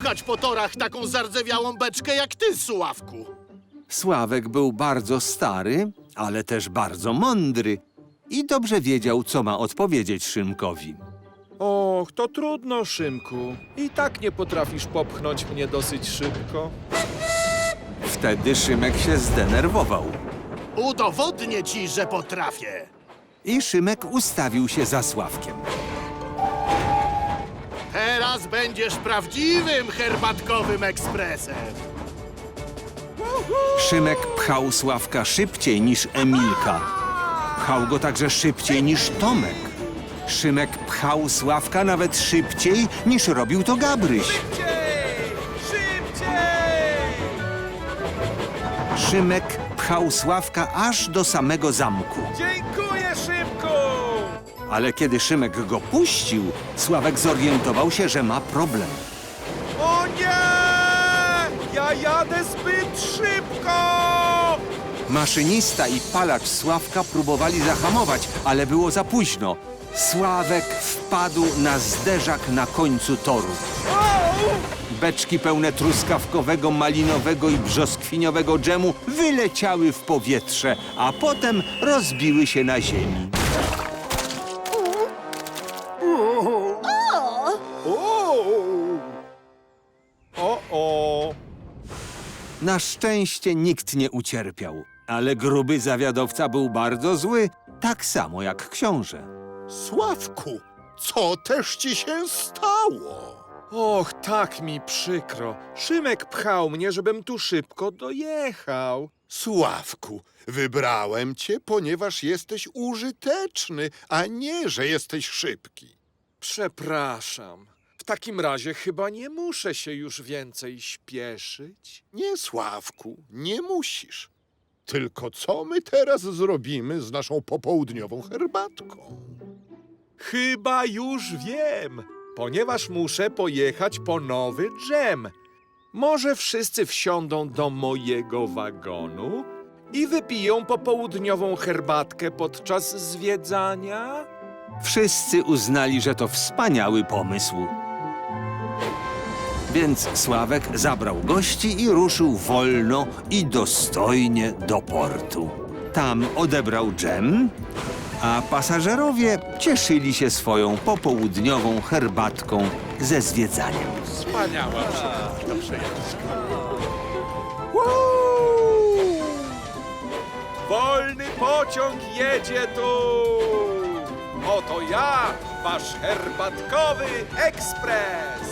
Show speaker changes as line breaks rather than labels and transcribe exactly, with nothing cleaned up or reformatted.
pchać po torach taką zardzewiałą beczkę jak ty, Sławku.
Sławek był bardzo stary, ale też bardzo mądry i dobrze wiedział, co ma odpowiedzieć Szymkowi.
Och, to trudno, Szymku. I tak nie potrafisz popchnąć mnie dosyć szybko.
Wtedy Szymek się zdenerwował
Udowodnię ci, że potrafię.
i Szymek ustawił się za Sławkiem.
Teraz będziesz prawdziwym herbatkowym ekspresem.
Szymek pchał Sławka szybciej niż Emilka. Pchał go także szybciej niż Tomek. Szymek pchał Sławka nawet szybciej niż robił to Gabryś.
Szybciej! Szybciej!
Szymek pchał Sławka aż do samego zamku.
Dziękuję, Szymku!
Ale kiedy Szymek go puścił, Sławek zorientował się, że ma problem.
O nie! Ja jadę zbyt szybko!
Maszynista i palacz Sławka próbowali zahamować, ale było za późno. Sławek wpadł na zderzak na końcu toru. Beczki pełne truskawkowego, malinowego i brzoskwiniowego dżemu wyleciały w powietrze, a potem rozbiły się na ziemi.
O, o!
Na szczęście nikt nie ucierpiał, ale gruby zawiadowca był bardzo zły, tak samo jak książę.
Sławku, co też ci się stało?
Och, tak mi przykro. Szymek pchał mnie, żebym tu szybko dojechał.
Sławku, wybrałem cię, ponieważ jesteś użyteczny, a nie, że jesteś szybki.
Przepraszam. W takim razie chyba nie muszę się już więcej śpieszyć.
Nie, Sławku, nie musisz. Tylko co my teraz zrobimy z naszą popołudniową herbatką?
Chyba już wiem, ponieważ muszę pojechać po nowy dżem. Może wszyscy wsiądą do mojego wagonu i wypiją popołudniową herbatkę podczas zwiedzania?
Wszyscy uznali, że to wspaniały pomysł. Więc Sławek zabrał gości i ruszył wolno i dostojnie do portu. Tam odebrał dżem, a pasażerowie cieszyli się swoją popołudniową herbatką ze zwiedzaniem.
Wspaniała przejażdżka.
Woo! Wolny pociąg jedzie tu! Oto ja, wasz herbatkowy ekspres!